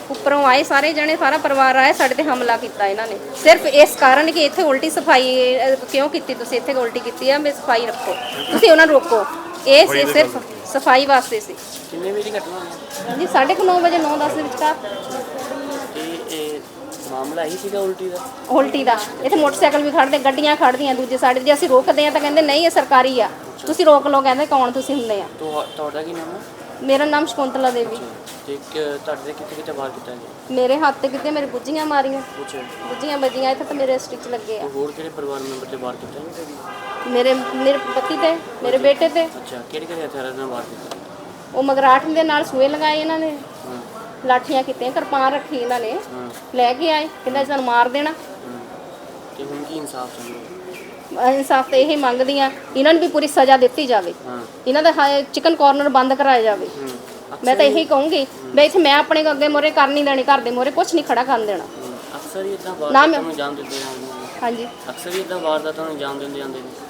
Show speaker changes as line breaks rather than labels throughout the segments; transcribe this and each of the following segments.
ਉੱਪਰੋਂ ਆਏ ਸਾਰੇ ਜਣੇ, ਸਾਰਾ ਪਰਿਵਾਰ ਆਇਆ, ਸਾਡੇ ਤੇ ਹਮਲਾ ਕੀਤਾ ਇਹਨਾਂ ਨੇ ਸਿਰਫ ਇਸ ਕਾਰਨ ਕਿ ਇੱਥੇ ਉਲਟੀ ਸਫਾਈ ਕਿਉਂ ਕੀਤੀ ਤੁਸੀਂ, ਇੱਥੇ ਉਲਟੀ ਕੀਤੀ ਆ, ਮੈਂ ਸਫਾਈ ਰੱਖੋ, ਤੁਸੀਂ ਉਹਨਾਂ ਨੂੰ ਰੋਕੋ। ਇਹ ਸੀ ਸਿਰਫ ਸਫਾਈ ਵਾਸਤੇ ਸੀ।
ਕਿੰਨੇ ਵਜੇ ਦੀ ਘਟਨਾ ਹੋਈ
ਜੀ 9:30 ਵਜੇ 9:10 ਦੇ ਵਿਚਕਾਰ।
ਇਹ ਮਾਮਲਾ ਹੀ ਸੀਗਾ ਉਲਟੀ ਦਾ?
ਉਲਟੀ ਦਾ। ਇੱਥੇ ਮੋਟਰਸਾਈਕਲ ਵੀ ਖੜਦੇ, ਗੱਡੀਆਂ ਖੜਦੀਆਂ ਦੂਜੇ ਸਾਈਡ। ਜੇ ਅਸੀਂ ਰੋਕਦੇ ਆ ਤਾਂ ਕਹਿੰਦੇ ਨਹੀਂ ਇਹ ਸਰਕਾਰੀ ਆ, ਤੁਸੀਂ ਰੋਕ ਲਓ। ਕਹਿੰਦੇ ਕੌਣ ਤੁਸੀਂ ਹੁੰਦੇ ਆ?
ਤੁਹਾਡਾ ਕੀ ਨਾਮ ਹੈ?
ਮੇਰਾ ਨਾਮ ਸ਼ਕੁੰਤਲਾ ਦੇਵੀ।
ਤੇ ਤੁਹਾਡੇ ਕਿੱਥੇ ਵਾਰ ਕੀਤਾ ਜੀ?
ਮੇਰੇ ਹੱਥ ਤੇ ਕਿਤੇ ਮੇਰੇ ਗੁੱਜੀਆਂ ਮਾਰੀਆਂ,
ਅੱਛਾ।
ਗੁੱਜੀਆਂ ਵੱਜੀਆਂ, ਇੱਥੇ ਤਾਂ ਮੇਰੇ ਸਟਿਚ ਲੱਗੇ ਆ।
ਹੋਰ ਕਿਹੜੇ ਪਰਿਵਾਰ ਮੈਂਬਰ ਤੇ ਵਾਰ ਕੀਤਾ ਜੀ?
ਮੇਰੇ ਪਤੀ ਤੇ, ਮੇਰੇ ਬੇਟੇ ਤੇ।
ਅੱਛਾ, ਕਿਹੜੇ ਹਥਿਆਰਾਂ ਨਾਲ ਵਾਰ ਕੀਤਾ?
ਉਹ ਮਗਰਾਟ ਦੇ ਨਾਲ ਸੂਏ ਲਗਾਏ ਇਹਨਾਂ ਨੇ, ਲਾਠੀਆਂ ਕੀਤੀਆਂ, ਕਿਰਪਾਨ ਰੱਖੀ ਇਹਨਾਂ ਨੇ, ਲੈ ਕੇ ਆਏ, ਕਹਿੰਦਾ ਸਾਨੂੰ ਮਾਰ ਦੇਣਾ।
ਤੇ ਹੁਣ ਕੀ ਇਨਸਾਫ ਚਾਹੀਦਾ?
ਇਨਸਾਫ ਤਾਂ ਇਹ ਮੰਗਦੀ ਆ, ਇਹਨਾਂ ਨੂੰ ਵੀ ਪੂਰੀ ਸਜ਼ਾ ਦਿੱਤੀ ਜਾਵੇ, ਇਹਨਾਂ ਦਾ ਚਿਕਨ ਕਾਰਨਰ ਬੰਦ ਕਰਾਇਆ ਜਾਵੇ। ਮੈਂ ਤਾਂ ਇਹੀ ਕਹੂੰਗੀ ਵੀ ਇੱਥੇ ਮੈਂ ਆਪਣੇ ਅੱਗੇ ਮੋਰੇ ਕਰ ਨਹੀਂ ਦੇਣੀ, ਘਰ ਦੇ ਮੋਰੇ ਕੁਝ ਨਹੀਂ ਖੜਾ ਕਰਨ ਦੇਣਾ।
ਅਕਸਰ ਹੀ ਇਦਾਂ ਵਾਰਦਾਤਾਂ ਨੂੰ ਅੰਜਾਮ ਦਿੰਦੇ ਆ।
ਹਾਂਜੀ,
ਅਕਸਰ ਹੀ ਇਦਾਂ ਵਾਰਦਾਤਾਂ ਨੂੰ ਅੰਜਾਮ ਦਿੰਦੇ ਆਂਦੇ ਨੇ।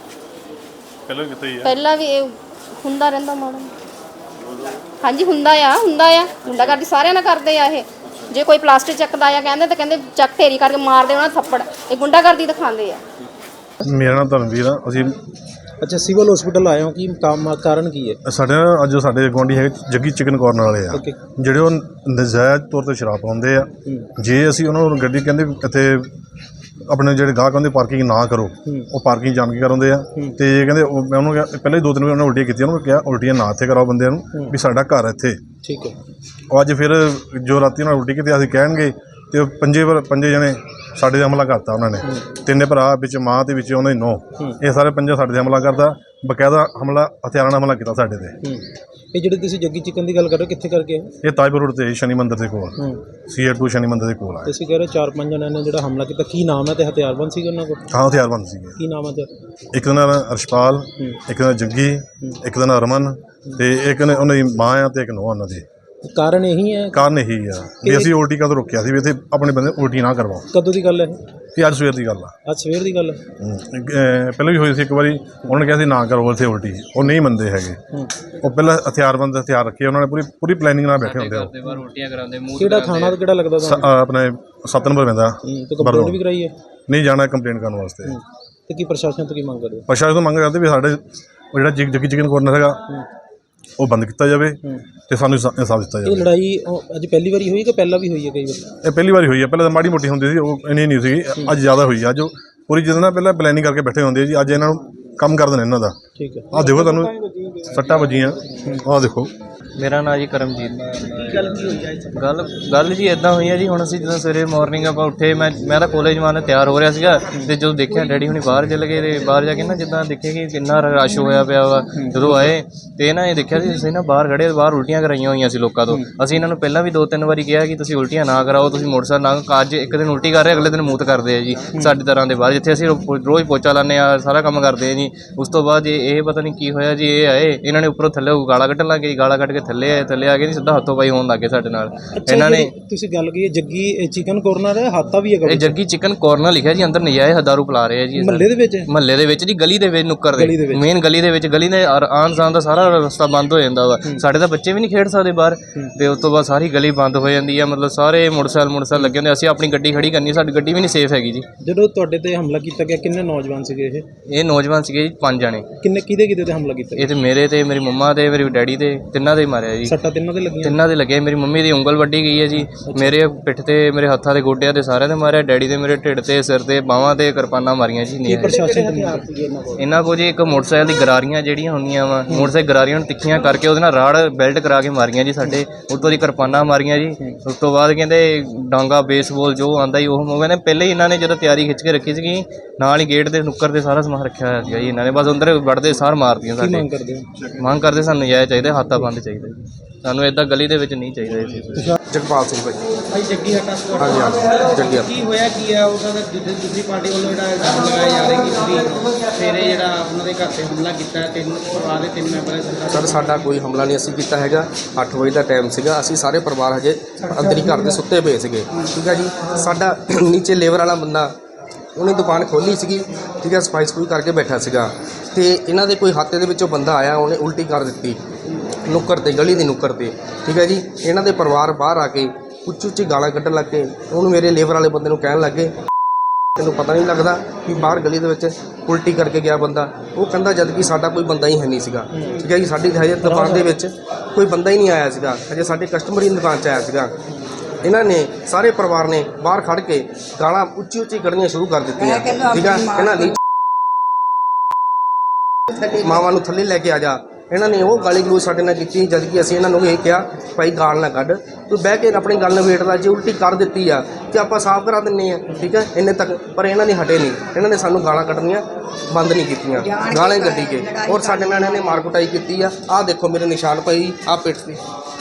ਪਹਿਲਾਂ ਵੀ ਇਹ ਹੁੰਦਾ ਰਹਿੰਦਾ ਮਾੜਾ। ਹਾਂਜੀ, ਹੁੰਦਾ ਆ ਗੁੰਡਾਗਰਦੀ ਸਾਰਿਆਂ ਨਾਲ ਕਰਦੇ ਆ ਇਹ। ਜੇ ਕੋਈ ਪਲਾਸਟਿਕ ਚੱਕਦਾ ਆ ਕਹਿੰਦੇ ਤਾਂ ਕਹਿੰਦੇ ਚੱਕ ਢੇਰੀ ਕਰਕੇ ਮਾਰ ਦੇ ਉਹਨਾਂ ਥੱਪੜ। ਇਹ ਗੁੰਡਾਗਰਦੀ ਦਿਖਾਉਂਦੇ ਆ।
ਮੇਰਾ ਨਾਮ ਧਰਮਵੀਰ ਆ। ਅਸੀਂ
ਅੱਛਾ, ਸਿਵਲ ਹਸਪੀਟਲ ਆਏ ਹੋ, ਕੀ ਕਾਰਨ ਕੀ ਹੈ?
ਸਾਡੇ ਗੁਆਂਢੀ ਹੈਗੇ ਜੱਗੀ ਚਿਕਨ ਕਾਰਨਰ ਵਾਲੇ ਆ, ਜਿਹੜੇ ਉਹ ਨਜਾਇਜ਼ ਤੌਰ 'ਤੇ ਸ਼ਰਾਬ ਪਾਉਂਦੇ ਆ। ਜੇ ਅਸੀਂ ਉਹਨਾਂ ਨੂੰ ਗੱਡੀ ਕਹਿੰਦੇ ਇੱਥੇ ਆਪਣੇ ਜਿਹੜੇ ਗਾਹਕ ਹੁੰਦੇ ਪਾਰਕਿੰਗ ਨਾ ਕਰੋ, ਉਹ ਪਾਰਕਿੰਗ ਜਾਣ ਕੇ ਕਰਾਉਂਦੇ ਆ। ਤੇ ਕਹਿੰਦੇ ਮੈਂ ਉਹਨੂੰ ਕਿਹਾ, ਪਹਿਲਾਂ ਹੀ 2-3 ਵਾਰ ਉਹਨਾਂ ਉਲਟੀਆਂ ਕੀਤੀਆਂ, ਉਹਨੂੰ ਕਿਹਾ ਉਲਟੀਆਂ ਨਾ ਇੱਥੇ ਕਰਾਓ ਬੰਦਿਆਂ ਨੂੰ, ਵੀ ਸਾਡਾ ਘਰ ਇੱਥੇ।
ਠੀਕ ਹੈ।
ਉਹ ਅੱਜ ਫਿਰ ਜੋ ਰਾਤੀ ਉਹਨਾਂ ਉਲਟੀ ਕੀਤੀ ਅਸੀਂ ਕਹਿਣਗੇ, ਤੇ ਪੰਜੇ ਜਣੇ ਸਾਡੇ 'ਤੇ ਹਮਲਾ ਕਰਤਾ ਉਹਨਾਂ ਨੇ। 3 ਭਰਾ ਵਿੱਚ ਮਾਂ ਤੇ ਵਿੱਚ ਉਹਨਾਂ ਦੀ ਨੂੰਹ, ਇਹ ਸਾਰੇ 5 ਸਾਡੇ 'ਤੇ ਹਮਲਾ ਕਰਦਾ। ਬਕਾਇਦਾ ਹਮਲਾ ਹਥਿਆਰਾਂ ਨਾਲ ਹਮਲਾ ਕੀਤਾ ਸਾਡੇ 'ਤੇ।
ਇਹ ਜਿਹੜੇ ਤੁਸੀਂ ਜੱਗੀ ਚਿਕਨ ਦੀ ਗੱਲ ਕਰ ਰਹੇ ਹੋ, ਕਿੱਥੇ ਕਰਕੇ?
ਇਹ ਤਾਜਪੁਰ ਰੋਡ 'ਤੇ ਸ਼ਨੀ ਮੰਦਿਰ ਦੇ ਕੋਲ, CA2 ਸ਼ਨੀ ਮੰਦਿਰ ਦੇ ਕੋਲ ਆ।
ਤੁਸੀਂ ਕਹਿ ਰਹੇ 4-5 ਜਣਿਆਂ ਨੇ ਜਿਹੜਾ ਹਮਲਾ ਕੀਤਾ, ਕੀ ਨਾਮ ਹੈ ਤੇ ਹਥਿਆਰਬੰਦ ਸੀਗੇ ਉਹਨਾਂ ਕੋਲ?
ਹਾਂ, ਹਥਿਆਰਬੰਦ ਸੀਗੇ।
ਕੀ ਨਾਮ ਹੈ ਤੇ?
ਇੱਕ ਦਾ ਨਾਂ ਅਰਸ਼ਪਾਲ, ਇੱਕ ਦਾ ਜੱਗੀ, ਇੱਕ ਦਾ ਨਾਂ ਰਮਨ, ਤੇ ਇੱਕ ਨੇ ਉਹਨਾਂ ਦੀ ਮਾਂ ਆ ਤੇ ਇੱਕ ਨੂੰਹ ਉਹਨਾਂ ਦੀ।
ਕਾਰਨ ਇਹੀ ਹੈ?
ਕਾਰਨ ਇਹੀ ਆ ਵੀ ਅਸੀਂ ਉਲਟੀ ਕਦੋਂ ਰੋਕਿਆ ਸੀ ਵੀ ਇੱਥੇ ਆਪਣੇ ਬੰਦੇ ਉਲਟੀ ਨਾ ਕਰਵਾਓ।
ਕਦੋਂ ਦੀ ਗੱਲ ਹੈ
ਇਹ ਅੱਜ ਸਵੇਰ ਦੀ ਗੱਲ ਆ।
ਅੱਜ ਸਵੇਰ ਦੀ ਗੱਲ ਹੈ?
ਪਹਿਲਾਂ ਵੀ ਹੋਈ ਸੀ ਇੱਕ ਵਾਰੀ, ਉਹਨਾਂ ਨੇ ਕਿਹਾ ਸੀ ਨਾ ਕਰੋ ਇੱਥੇ ਉਲਟੀ, ਉਹ ਨਹੀਂ ਮੰਨਦੇ ਹੈਗੇ। ਉਹ ਪਹਿਲਾਂ ਹਥਿਆਰਬੰਦ ਹਥਿਆਰ ਰੱਖੇ ਉਹਨਾਂ ਨੇ, ਪੂਰੀ ਪਲੈਨਿੰਗ ਨਾਲ ਬੈਠੇ ਹੁੰਦੇ ਆ।
ਕਿਹੜਾ ਥਾਣਾ ਕਿਹੜਾ ਲੱਗਦਾ ਤੁਹਾਨੂੰ?
ਆਪਣੇ 7 ਨੰਬਰ ਪੈਂਦਾ।
ਤੇ ਕੰਪਲੇਂਟ ਵੀ ਕਰਾਈ ਹੈ?
ਨਹੀਂ, ਜਾਣਾ ਕੰਪਲੇਂਟ ਕਰਨ ਵਾਸਤੇ।
ਤੇ ਕੀ ਪ੍ਰਸ਼ਾਸਨ ਤੋਂ ਕੀ ਮੰਗ ਕਰਦੇ?
ਪ੍ਰਸ਼ਾਸਨ ਤੋਂ ਮੰਗ ਕਰਦੇ ਵੀ ਸਾਡੇ ਉਹ ਜਿਹੜਾ ਜੱਗੀ ਚਿਕਨ ਕਾਰਨਰ ਹੈਗਾ ਉਹ ਬੰਦ ਕੀਤਾ ਜਾਵੇ ਤੇ ਸਾਨੂੰ ਇਨਸਾਫ ਦਿੱਤਾ ਜਾਵੇ।
ਇਹ ਲੜਾਈ ਅੱਜ ਪਹਿਲੀ ਵਾਰੀ ਹੋਈ ਕਿ ਪਹਿਲਾਂ ਵੀ ਹੋਈ ਹੈ ਕਈ ਵਾਰ?
ਇਹ ਪਹਿਲੀ ਵਾਰੀ ਹੋਈ ਹੈ। ਪਹਿਲਾਂ ਤਾਂ ਮਾੜੀ ਮੋਟੀ ਹੁੰਦੀ ਸੀ, ਉਹ ਇੰਨੀ ਨਹੀਂ ਸੀਗੀ। ਅੱਜ ਜ਼ਿਆਦਾ ਹੋਈ ਆ। ਅੱਜ ਪੂਰੀ ਜਿੱਦਾਂ ਨਾ ਪਹਿਲਾਂ ਪਲੈਨਿੰਗ ਕਰਕੇ ਬੈਠੇ ਹੁੰਦੇ ਜੀ, ਅੱਜ ਇਹਨਾਂ ਨੂੰ ਕੰਮ ਕਰ ਦੇਣਾ ਇਹਨਾਂ ਦਾ।
ਠੀਕ ਹੈ।
ਆਹ ਦੇਖੋ ਤੁਹਾਨੂੰ ਸੱਟਾਂ ਵੱਜੀਆਂ, ਆਹ ਦੇਖੋ।
ਮੇਰਾ ਨਾਂ ਜੀ ਕਰਮਜੀਤ। ਗੱਲ ਜੀ ਇਦਾਂ ਹੋਈ ਹੈ ਜੀ, ਹੁਣ ਅਸੀਂ ਜਦੋਂ ਸਵੇਰੇ ਮਾਰਨਿੰਗ ਆਪਾਂ ਉੱਠੇ, ਮੈਂ ਤਾਂ ਕਾਲਜ ਮਾਰਨ ਤਿਆਰ ਹੋ ਰਿਹਾ ਸੀਗਾ, ਤੇ ਜਦੋਂ ਦੇਖਿਆ ਡੈਡੀ ਹੁਣੀ ਬਾਹਰ ਚਲੇ ਗਏ, ਤੇ ਬਾਹਰ ਜਾ ਕੇ ਨਾ ਜਿੱਦਾਂ ਦੇਖਿਆ ਕਿ ਕਿੰਨਾ ਰਸ਼ ਹੋਇਆ ਪਿਆ ਵਾ, ਜਦੋਂ ਆਏ ਤੇ ਨਾ ਇਹ ਦੇਖਿਆ ਸੀ ਅਸੀਂ ਨਾ ਬਾਹਰ ਖੜੇ, ਬਾਹਰ ਉਲਟੀਆਂ ਕਰਾਈਆਂ ਹੋਈਆਂ ਸੀ ਲੋਕਾਂ ਤੋਂ। ਅਸੀਂ ਇਹਨਾਂ ਨੂੰ ਪਹਿਲਾਂ ਵੀ 2-3 ਵਾਰੀ ਕਿਹਾ ਕਿ ਤੁਸੀਂ ਉਲਟੀਆਂ ਨਾ ਕਰਾਓ, ਤੁਸੀਂ ਮੋਟਰਸਾਈਕਲ ਨਾ, ਅੱਜ ਇੱਕ ਦਿਨ ਉਲਟੀ ਕਰ ਰਹੇ, ਅਗਲੇ ਦਿਨ ਮੂਤ ਕਰਦੇ ਆ ਜੀ ਸਾਡੀ ਤਰ੍ਹਾਂ ਦੇ ਬਾਹਰ, ਜਿੱਥੇ ਅਸੀਂ ਰੋਜ਼ ਪੋਚਾ ਲਾਉਂਦੇ ਆ, ਸਾਰਾ ਕੰਮ ਕਰਦੇ ਆ ਜੀ। ਉਸ ਤੋਂ ਬਾਅਦ ਇਹ ਪਤਾ ਨਹੀਂ ਕੀ ਹੋਇਆ ਜੀ, ਇਹ ਆਏ, ਇਹਨਾਂ ਨੇ ਉੱਪਰੋਂ ਥੱਲੇ ਗਾਲਾਂ ਕੱਢਣ ਲੱਗ ਗਏ, ਗਾਲਾਂ ਕੱਢ ਕੇ ਥੱਲੇ ਆ ਕੇ ਸਿੱਧਾ ਹੱਥੋਂ ਪਾਈ ਹੋਣ ਲੱਗੇ ਸਾਡੇ ਨਾਲ। ਇਹਨਾਂ ਨੇ
ਤੁਸੀਂ ਗੱਲ ਕੀਤੀ ਜੱਗੀ ਚਿਕਨ ਕਾਰਨਰ ਹੈ, ਹਾਤਾ ਵੀ ਹੈਗਾ?
ਇਹ ਜੱਗੀ ਚਿਕਨ ਕਾਰਨਰ ਲਿਖਿਆ ਜੀ, ਅੰਦਰ ਨਜਾਇਜ਼ ਦਾਰੂ ਪਿਲਾ ਰਹੇ ਆ ਜੀ। ਮਹੱਲੇ ਦੇ ਵਿੱਚ ਜੀ, ਗਲੀ ਦੇ ਵਿੱਚ, ਨੁੱਕਰ ਦੇ ਮੇਨ ਗਲੀ ਦੇ ਵਿੱਚ, ਗਲੀ ਦੇ ਆਉਣ ਜਾਣ ਦਾ ਸਾਰਾ ਰਸਤਾ ਬੰਦ ਹੋ ਜਾਂਦਾ ਵਾ। ਸਾਡੇ ਤਾਂ ਬੱਚੇ ਵੀ ਨਹੀਂ ਖੇਡ ਸਕਦੇ ਬਾਹਰ, ਤੇ ਉਸ ਤੋਂ ਬਾਅਦ ਸਾਰੀ ਗਲੀ ਬੰਦ ਹੋ ਜਾਂਦੀ ਆ। ਮਤਲਬ ਸਾਰੇ ਮੋਟਰਸਾਈਕਲ ਲੱਗੇ ਹੁੰਦੇ, ਅਸੀਂ ਆਪਣੀ ਗੱਡੀ ਖੜੀ ਕਰਨੀ, ਸਾਡੀ ਗੱਡੀ ਵੀ ਨਹੀਂ ਸੇਫ ਹੈਗੀ ਜੀ।
ਜਦੋਂ ਤੁਹਾਡੇ ਤੇ ਹਮਲਾ ਕੀਤਾ ਗਿਆ, ਕਿੰਨੇ ਨੌਜਵਾਨ ਸੀਗੇ
ਇਹ ਨੌਜਵਾਨ ਸੀਗੇ ਜੀ 5 ਜਣੇ।
ਕਿਹਦੇ ਤੇ ਹਮਲਾ ਕੀਤਾ?
ਇਹ ਤੇ ਮੇਰੇ ਤੇ, ਮੇਰੀ ਮੰਮਾ ਤੇ, ਮੇਰੇ ਡੈਡੀ ਤੇ, ਤਿੰਨਾਂ ਦੇ ਮਾਰਿਆ ਜੀ।
ਸੱਟਾਂ ਤਿੰਨਾਂ ਦੇ ਲੱਗੀਆਂ?
ਤਿੰਨਾਂ ਦੇ ਲੱਗੇ। ਮੇਰੀ ਮੰਮੀ ਦੀ ਉਂਗਲ ਵੱਢੀ ਗਈ ਹੈ ਜੀ, ਮੇਰੇ ਪਿੱਠ ਤੇ, ਮੇਰੇ ਹੱਥਾਂ ਤੇ, ਗੋਡਿਆਂ ਤੇ, ਸਾਰਿਆਂ ਦੇ ਮਾਰਿਆ। ਡੈਡੀ ਦੇ ਮੇਰੇ ਢਿੱਡ ਤੇ, ਸਿਰ ਤੇ, ਬਾਹਾਂ ਤੇ ਕਿਰਪਾਨਾਂ ਮਾਰੀਆਂ ਜੀ। ਇਹਨਾਂ ਕੋਲ ਜੀ ਇੱਕ ਮੋਟਰਸਾਈਕਲ ਦੀ ਗਰਾਰੀਆਂ ਜਿਹੜੀਆਂ ਹੁੰਦੀਆਂ ਵਾ, ਮੋਟਰਸਾਈਕਲ ਗਰਾਰੀਆਂ ਨੂੰ ਤਿੱਖੀਆਂ ਕਰਕੇ ਉਹਦੇ ਨਾਲ ਰਾੜ ਬੈਲਟ ਕਰਾ ਕੇ ਮਾਰੀਆਂ ਜੀ ਸਾਡੇ, ਉੱਤੋਂ ਦੀ ਕਿਰਪਾਨਾਂ ਮਾਰੀਆਂ ਜੀ। ਉਸ ਤੋਂ ਬਾਅਦ ਕਹਿੰਦੇ ਡਾਂਗਾ, ਬੇਸਬਾਲ ਜੋ ਆਉਂਦਾ ਜੀ ਉਹ ਕਹਿੰਦੇ ਪਹਿਲੇ ਹੀ ਇਹਨਾਂ ਨੇ ਜਦੋਂ ਤਿਆਰੀ ਖਿੱਚ ਕੇ ਰੱਖੀ ਸੀਗੀ, ਨਾਲ ਹੀ ਗੇਟ ਦੇ ਨੁੱਕਰ ਤੇ ਸਾਰਾ ਸਮਾਨ ਰੱਖਿਆ ਹੋਇਆ ਸੀਗਾ ਜੀ ਇਹਨਾਂ ਨੇ, ਬਸ ਅੰਦਰ ਵੜਦੇ ਸਾਰ ਮਾਰਦੀਆਂ ਸਾਡੇ। ਮੰਗ ਕਰਦੇ ਸਾਨੂੰ ਨਜਾਇਜ਼ ਚਾਹੀਦਾ, ਹਾਤਾ ਬੰਦ ਚਾਹੀਦਾ ਜੀ, ਸਾਨੂੰ ਇੱਦਾਂ ਗਲੀ ਦੇ ਵਿੱਚ ਨਹੀਂ ਚਾਹੀਦਾ ਇਹ।
ਜਗਪਾਲ ਸਿੰਘ ਭਾਈ ਜੱਗੀ ਹਟਾ। ਹਾਂਜੀ ਜੱਗੀ ਹਟਾ। ਕੀ ਹੋਇਆ ਕੀ ਆ ਉਹਨਾਂ ਦਾ ਦੂਸਰੀ ਪਾਰਟੀ ਵੱਲੋਂ ਜਿਹੜਾ ਇਲਜ਼ਾਮ ਲਗਾਇਆ ਜਾ ਰਿਹਾ ਕਿ ਤੁਸੀਂ ਸਵੇਰੇ ਜਿਹੜਾ ਉਹਨਾਂ ਦੇ ਘਰ ਤੇ ਹਮਲਾ ਕੀਤਾ, 3 ਪਰਿਵਾਰ ਦੇ 3 ਮੈਂਬਰ?
ਸਰ ਸਾਡਾ ਕੋਈ ਹਮਲਾ ਨਹੀਂ ਅਸੀਂ ਕੀਤਾ ਹੈਗਾ। 8 ਵਜੇ ਦਾ ਟਾਈਮ ਸੀਗਾ, ਅਸੀਂ ਸਾਰੇ ਪਰਿਵਾਰ ਹਜੇ ਅੰਦਰ ਹੀ ਘਰ ਦੇ ਸੁੱਤੇ ਪਏ ਸੀਗੇ। ਠੀਕ ਹੈ ਜੀ। ਸਾਡਾ ਨੀਚੇ ਲੇਬਰ ਵਾਲਾ ਬੰਦਾ, ਉਹਨੇ ਦੁਕਾਨ ਖੋਲ੍ਹੀ ਸੀਗੀ, ਠੀਕ ਹੈ, ਸਫਾਈ ਸਫੂਈ ਕਰਕੇ ਬੈਠਾ ਸੀਗਾ, ਤੇ ਇਹਨਾਂ ਦੇ ਕੋਈ ਹਾਤੇ ਦੇ ਵਿੱਚੋਂ ਬੰਦਾ ਆਇਆ, ਉਹਨੇ ਉਲਟੀ ਕਰ ਦਿੱਤੀ ਨੁੱਕਰ 'ਤੇ, ਗਲੀ ਦੀ ਨੁੱਕਰ 'ਤੇ। ਠੀਕ ਹੈ ਜੀ। ਇਹਨਾਂ ਦੇ ਪਰਿਵਾਰ ਬਾਹਰ ਆ ਕੇ ਉੱਚੀ ਉੱਚੀ ਗਾਲਾਂ ਕੱਢਣ ਲੱਗ ਪਏ। ਉਹਨੂੰ ਮੇਰੇ ਲੇਬਰ ਵਾਲੇ ਬੰਦੇ ਨੂੰ ਕਹਿਣ ਲੱਗੇ ਤੈਨੂੰ ਪਤਾ ਨਹੀਂ ਲੱਗਦਾ ਕਿ ਬਾਹਰ ਗਲੀ ਦੇ ਵਿੱਚ ਉਲਟੀ ਕਰਕੇ ਗਿਆ ਬੰਦਾ। ਉਹ ਕਹਿੰਦਾ ਜਦ ਕਿ ਸਾਡਾ ਕੋਈ ਬੰਦਾ ਹੀ ਹੈ ਨਹੀਂ ਸੀਗਾ। ਠੀਕ ਹੈ ਜੀ, ਸਾਡੀ ਹਜੇ ਦੁਕਾਨ ਦੇ ਵਿੱਚ ਕੋਈ ਬੰਦਾ ਹੀ ਨਹੀਂ ਆਇਆ ਸੀਗਾ, ਹਜੇ ਸਾਡੇ ਕਸਟਮਰ ਹੀ ਦੁਕਾਨ 'ਚ ਆਇਆ ਸੀਗਾ। ਇਹਨਾਂ ਨੇ ਸਾਰੇ ਪਰਿਵਾਰ ਨੇ ਬਾਹਰ ਖੜ ਕੇ ਗਾਲਾਂ ਉੱਚੀ ਉੱਚੀ ਕੱਢਣੀਆਂ ਸ਼ੁਰੂ ਕਰ ਦਿੱਤੀਆਂ। ਠੀਕ ਆ, ਇਹਨਾਂ ਨੇ ਮਾਵਾਂ ਨੂੰ ਥੱਲੇ ਲੈ ਕੇ ਆ ਜਾ। ਇਹਨਾਂ ਨੇ ਉਹ ਗਾਲੀ ਗਲੋਚ ਸਾਡੇ ਨਾਲ ਕੀਤੀ, ਜਦ ਕਿ ਅਸੀਂ ਇਹਨਾਂ ਨੂੰ ਇਹ ਕਿਹਾ ਭਾਈ ਗਾਲ ਨਾ ਕੱਢ, ਤੂੰ ਬਹਿ ਕੇ ਆਪਣੀ ਗੱਲ ਨਿਬੇੜ ਲਾ, ਜੇ ਉਲਟੀ ਕਰ ਦਿੱਤੀ ਆ ਤੇ ਆਪਾਂ ਸਾਫ਼ ਕਰਾ ਦਿੰਨੇ ਆ। ਠੀਕ ਹੈ, ਇੰਨੇ ਤੱਕ ਪਰ ਇਹਨਾਂ ਨੇ ਹਟੇ ਨਹੀਂ। ਇਹਨਾਂ ਨੇ ਸਾਨੂੰ ਗਾਲਾਂ ਕੱਢਣੀਆਂ ਬੰਦ ਨਹੀਂ ਕੀਤੀਆਂ, ਗਾਲਾਂ ਹੀ ਕੱਢੀ ਕੇ ਔਰ ਸਾਡੇ ਨਾਲ ਇਹਨਾਂ ਨੇ ਮਾਰ ਕੁਟਾਈ ਕੀਤੀ ਆ। ਆਹ ਦੇਖੋ ਮੇਰੇ ਨਿਸ਼ਾਨ ਪਈ ਆਹ ਪਿੱਠ ਤੇ।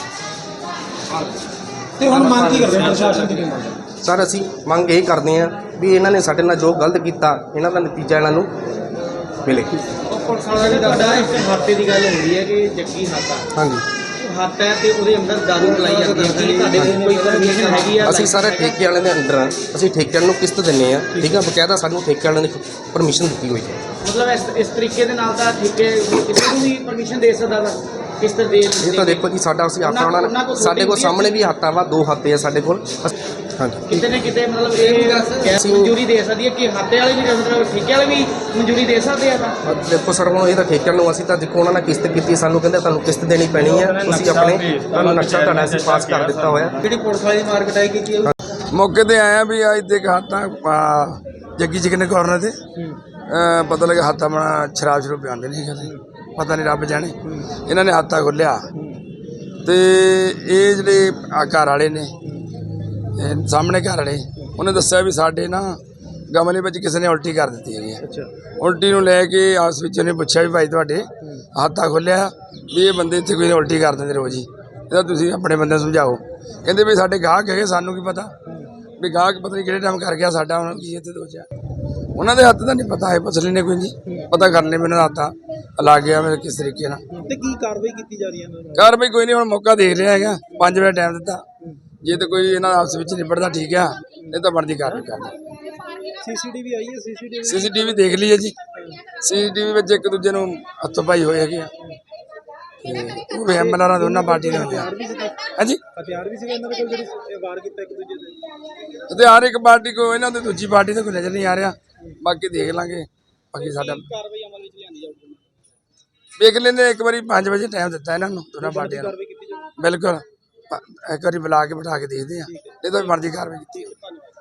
ਤੇ ਹੁਣ ਮੰਗ ਕੀ ਕਰਦੇ ਪ੍ਰਸ਼ਾਸਨ ਦੀ?
ਸਰ ਅਸੀਂ ਮੰਗ ਇਹ ਕਰਦੇ ਹਾਂ ਵੀ ਇਹਨਾਂ ਨੇ ਸਾਡੇ ਨਾਲ ਜੋ ਗਲਤ ਕੀਤਾ ਇਹਨਾਂ ਦਾ ਨਤੀਜਾ ਇਹਨਾਂ ਨੂੰ ਮਿਲੇ।
ਪੁਲਿਸ ਵਾਲਾ ਜੀ ਤੁਹਾਡਾ ਇੱਕ ਹਾਤੇ ਦੀ ਗੱਲ ਹੁੰਦੀ ਹੈ ਕਿ ਜੱਗੀ ਹਾਤਾ
ਹਾਂਜੀ,
ਹੱਥ ਹੈ ਤੇ ਉਹਦੇ ਅੰਦਰ ਦਾਰੂ ਮਿਲਾਈ ਜਾਂਦੀ ਹੈ। ਕੀ ਤੁਹਾਡੇ ਕੋਲ ਕੋਈ ਪਰਮਿਸ਼ਨ ਹੈਗੀ ਆ?
ਅਸੀਂ ਸਾਰੇ ਠੇਕੇ ਵਾਲਿਆਂ ਦੇ ਅੰਡਰ ਹਾਂ। ਅਸੀਂ ਠੇਕੇ ਵਾਲਿਆਂ ਨੂੰ ਕਿਸ਼ਤ ਦਿੰਦੇ ਆ। ਠੀਕ ਹੈ, ਬਕਾਇਦਾ ਸਾਨੂੰ ਠੇਕੇ ਵਾਲਿਆਂ ਨੇ ਪਰਮਿਸ਼ਨ ਦਿੱਤੀ ਹੋਈ ਹੈ।
ਮਤਲਬ ਇਸ ਤਰੀਕੇ ਦੇ ਨਾਲ ਤਾਂ ਠੇਕੇ ਕਿਸੇ ਨੂੰ ਵੀ ਪਰਮਿਸ਼ਨ ਦੇ ਸਕਦਾ ਵਾ ਕਿਸ਼ਤ ਦੇ?
ਇਹ ਤਾਂ ਦੇਖੋ ਜੀ ਸਾਡਾ ਅਸੀਂ ਆਟਾ ਉਹਨਾਂ ਸਾਡੇ ਕੋਲ ਸਾਹਮਣੇ ਵੀ ਹੱਥਾਂ ਵਾ, 2 ਹੱਥੇ ਆ ਸਾਡੇ ਕੋਲ। ਹਾਂਜੀ,
ਕਿਤੇ ਨਾ ਕਿਤੇ ਮਤਲਬ ਇਹ ਗੈਸ ਮਨਜ਼ੂਰੀ ਦੇ ਸਕਦੀ ਹੈ ਕਿ ਹਾਤੇ ਵਾਲੇ ਵੀ ਮਤਲਬ ਠੇਕੇ ਵਾਲੇ ਵੀ ਮਨਜ਼ੂਰੀ ਦੇ ਸਕਦੇ ਆ? ਤਾਂ
ਦੇਖੋ ਸਰ ਹੁਣ ਇਹ ਤਾਂ ਠੇਕੇ ਨੂੰ ਅਸੀਂ ਤਾਂ ਦੇਖੋ ਉਹਨਾਂ ਨੇ ਕਿਸ਼ਤ ਕੀਤੀ, ਸਾਨੂੰ ਕਹਿੰਦੇ ਤੁਹਾਨੂੰ ਕਿਸ਼ਤ ਦੇਣੀ ਪੈਣੀ ਹੈ, ਤੁਸੀਂ ਆਪਣੇ ਤੁਹਾਨੂੰ ਨਕਸ਼ਾ ਤੁਹਾਡਾ ਅਸੀਂ ਪਾਸ ਕਰ ਦਿੱਤਾ ਹੋਇਆ।
ਜਿਹੜੀ ਪੁਲਿਸ ਵਾਲੀ ਮਾਰ ਕਟਾਈ ਕੀਤੀ ਹੈ
ਮੌਕੇ ਤੇ ਆਇਆ ਵੀ ਅੱਜ ਤੇ ਹਾਤਾ ਜੱਗੀ ਚਿਕਨ ਕਾਰਨਰ ਤੇ ਪਤਾ ਲੱਗਾ ਹਾਤਾ ਆਪਣਾ ਸ਼ਰਾਬ ਸ਼ਰੂਬ ਪਿਆਉਂਦੇ ਨਹੀਂ ਕਹਿੰਦੇ, ਪਤਾ ਨਹੀਂ ਰੱਬ ਜਾਣੇ। ਇਹਨਾਂ ਨੇ ਹਾਤਾ ਖੋਲ੍ਹਿਆ ਤੇ ਇਹ ਜਿਹੜੇ ਘਰ ਵਾਲੇ ਨੇ ਸਾਹਮਣੇ ਘਰ ਵਾਲੇ ਉਹਨੇ ਦੱਸਿਆ ਵੀ ਸਾਡੇ ਨਾ ਗਮਲੇ ਵਿੱਚ ਕਿਸੇ ਨੇ ਉਲਟੀ ਕਰ ਦਿੱਤੀ ਹੈਗੀ ਹੈ। ਉਲਟੀ ਨੂੰ ਲੈ ਕੇ ਆਸ ਵਿੱਚ ਉਹਨੇ ਪੁੱਛਿਆ ਵੀ ਭਾਈ ਤੁਹਾਡੇ ਹਾਤਾ ਖੋਲ੍ਹਿਆ ਵੀ ਇਹ ਬੰਦੇ ਇੱਥੇ ਕੋਈ ਉਲਟੀ ਕਰ ਦਿੰਦੇ ਰੋਜ਼ ਹੀ, ਇਹਦਾ ਤੁਸੀਂ ਆਪਣੇ ਬੰਦੇ ਸਮਝਾਓ। ਕਹਿੰਦੇ ਵੀ ਸਾਡੇ ਗਾਹਕ ਹੈਗੇ, ਸਾਨੂੰ ਕੀ ਪਤਾ ਵੀ ਗਾਹਕ ਪਤਾ ਨਹੀਂ ਕਿਹੜੇ ਟਾਈਮ ਕਰ ਗਿਆ ਸਾਡਾ, ਉਹਨਾਂ ਕੀ ਇੱਥੇ ਦੋਚਿਆ ਉਹਨਾਂ ਦੇ ਹੱਥ ਦਾ ਨਹੀਂ ਪਤਾ ਹੈ। ਪਸਲੀ ਨੇ ਕੋਈ ਨਹੀਂ ਪਤਾ ਕਰਨੇ ਮੈਨੂੰ ਹੱਥਾਂ ਲਾ ਗਿਆ ਮੇਰੇ ਕਿਸ ਤਰੀਕੇ ਨਾਲ।
ਤੇ ਕੀ ਕਾਰਵਾਈ ਕੀਤੀ ਜਾ ਰਹੀ ਹੈ?
ਕਾਰਵਾਈ ਕੋਈ ਨਹੀਂ, ਹੁਣ ਮੌਕਾ ਦੇਖ ਰਿਹਾ ਹੈਗਾ, 5 ਵਜੇ ਟਾਈਮ ਦਿੱਤਾ। ਜੇ ਤਾਂ ਕੋਈ ਇਹਨਾਂ ਆਪਸ ਵਿੱਚ ਨਿਬੜਦਾ ਠੀਕ ਆ, ਨਹੀਂ ਤਾਂ ਬਣਦੀ ਕਾਰਵਾਈ ਕਰਨੀ।
ਸੀਸੀਟੀਵੀ ਆਈ ਹੈ?
ਸੀਸੀਟੀਵੀ ਦੇਖ ਲਈ ਹੈ ਜੀ। ਸੀਸੀਟੀਵੀ ਵਿੱਚ ਇੱਕ ਦੂਜੇ ਨੂੰ ਹੱਥੋਂ ਪਾਈ ਹੋਏ ਹੈਗੇ ਆ ਤੇ ਉਹ ਵੀ ਐਮਐਲਆਰ ਦੋਨਾਂ ਪਾਰਟੀ ਦੇ ਹੁੰਦੇ ਆ। ਹਾਂਜੀ,
ਹਥਿਆਰ ਵੀ ਸੀਗੇ ਇਹਨਾਂ ਦੇ ਕੋਲ ਜਿਹੜੇ ਵਾਰ ਕੀਤਾ ਇੱਕ ਦੂਜੇ ਤੇ?
ਅਤੇ ਹਰ ਇੱਕ ਪਾਰਟੀ ਕੋ ਇਹਨਾਂ ਦੇ ਦੂਜੀ ਪਾਰਟੀ ਤੇ ਕੋਈ ਨਜ਼ਰ ਨਹੀਂ ਆ ਰਿਹਾ। ਬਾਕੀ ਦੇਖ ਲਾਂਗੇ। ਬਾਕੀ ਸਾਡਾ
ਕਾਰਵਾਈ ਅਮਲ ਵਿੱਚ ਲਿਆਂਦੀ ਜਾਊਗੀ?
ਵੇਖ ਲੈਂਦੇ, ਇੱਕ ਵਾਰੀ 5 ਵਜੇ ਟਾਈਮ ਦਿੱਤਾ ਇਹਨਾਂ ਨੂੰ ਦੋਨਾਂ ਪਾਰਟੀਆਂ ਨੂੰ। ਬਿਲਕੁਲ ਇੱਕ ਵਾਰੀ ਬੁਲਾ ਕੇ ਬਿਠਾ ਕੇ ਦੇਖਦੇ ਆ, ਨਹੀਂ ਤਾਂ ਮਰਜ਼ੀ ਕਾਰਵਾਈ ਕੀਤੀ।